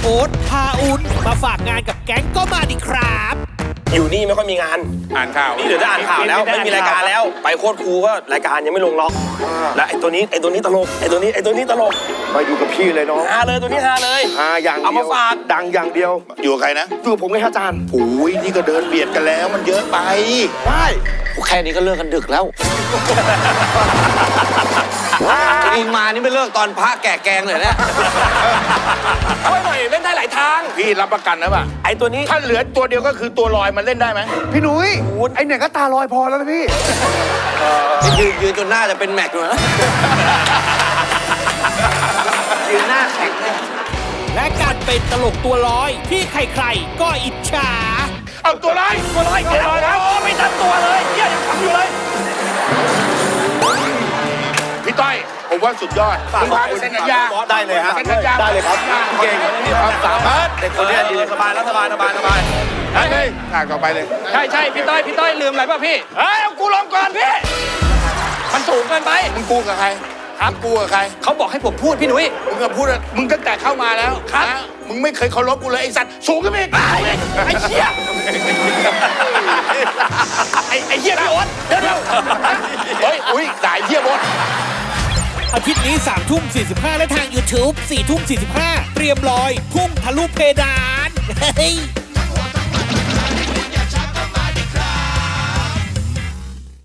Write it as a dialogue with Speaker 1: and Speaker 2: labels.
Speaker 1: โอ๊ตพาอุนมาฝากงานกับแก๊งก็มาดิครับ
Speaker 2: อยู่นี่ไม่ค่อยมีงาน
Speaker 3: อ่านข่าว
Speaker 2: นี่เดี๋ยวจะอ่านข่าวแล้วไม่มีรายการแล้ว ไปโคตรครูก็รายการยังไม่ลงล็อกและไอ้ตัวนี้ตลกไอ้ตัวนี้ตลก
Speaker 4: มาอยู่กับพี่เลยน้อง
Speaker 2: ฮาเลยตัวนี้ฮาเลย
Speaker 4: หาอย่างเดียว
Speaker 2: เอามาฝาก
Speaker 4: ดังอย่างเดียว
Speaker 3: อยู่กับใครนะ
Speaker 4: อยู่กับผมไงครับอาจารย์
Speaker 3: โอ้ยนี่ก็เดินเบียดกันแล้วมันเยอะไป
Speaker 4: ได้
Speaker 5: แค่นี้ก็เลิกกันดึกแล้วเองมานี่ไม่เลิกตอนพระแก่แกงเลยเนี่ย
Speaker 2: ช่วยหน่อยเล่นได้หลายทาง
Speaker 3: พี่รับประกันนะป่ะ
Speaker 2: ไอ้ตัวนี้
Speaker 3: ถ้าเหลือตัวเดียวก็คือตัวลอยมันเล่นได้ไหม
Speaker 4: พี่หนุ่ยไอเนี่ยก็ตาลอยพอแล้วนะพี่
Speaker 5: ยืนจนหน้าจะเป็นแม็กอยู่นะยืนหน้าแข็งเลย
Speaker 1: และการเป็นตลกตัวลอยที่ใครๆก็อิจฉา
Speaker 3: เอาตัวลอย
Speaker 2: แล้วไม่ทันตัวเลยเฮียยังทำอยู่เลย
Speaker 3: พี่ต้อยผมว่าสุดยอดคุณพาไปเซ็นสัญญา
Speaker 4: ได้เลยฮะ
Speaker 3: เซ็นสัญญา
Speaker 4: ได้เลยครับ
Speaker 3: เก่งมีความสามารถ
Speaker 2: เด็กคนนี้ยืนสบายแล้วสบาย
Speaker 3: เฮ้ยฉากต่อไปเลย
Speaker 6: ใช่พี่ต้อยลืมอะไรป่ะพี่
Speaker 3: เฮ้ยเอากูลงก่อนพี่
Speaker 6: มันสูงเกินไป
Speaker 3: มึงกูกับใครมึงกูกับใคร
Speaker 6: เขาบอกให้ผมพูดพี่หนุ่ย
Speaker 3: มึงก็พูดอะมึงตั้งแต่เข้ามาแล้วนะมึงไม่เคยเคารพกูเลยไอ้สัตว์สูงขึ้นไปอีกไอ้เหี้ยไอ้เหี้ยพี่โอ๊ตเดี๋ยวเฮ้ยอุ้ยด่าไอ้เหี้ยโอ๊ต
Speaker 1: อาทิตย์นี้3 ทุ่ม 45 และทาง YouTube 4 ทุ่ม 45 เตรียมลอยพุ่งทะลุเพดานเฮ้ย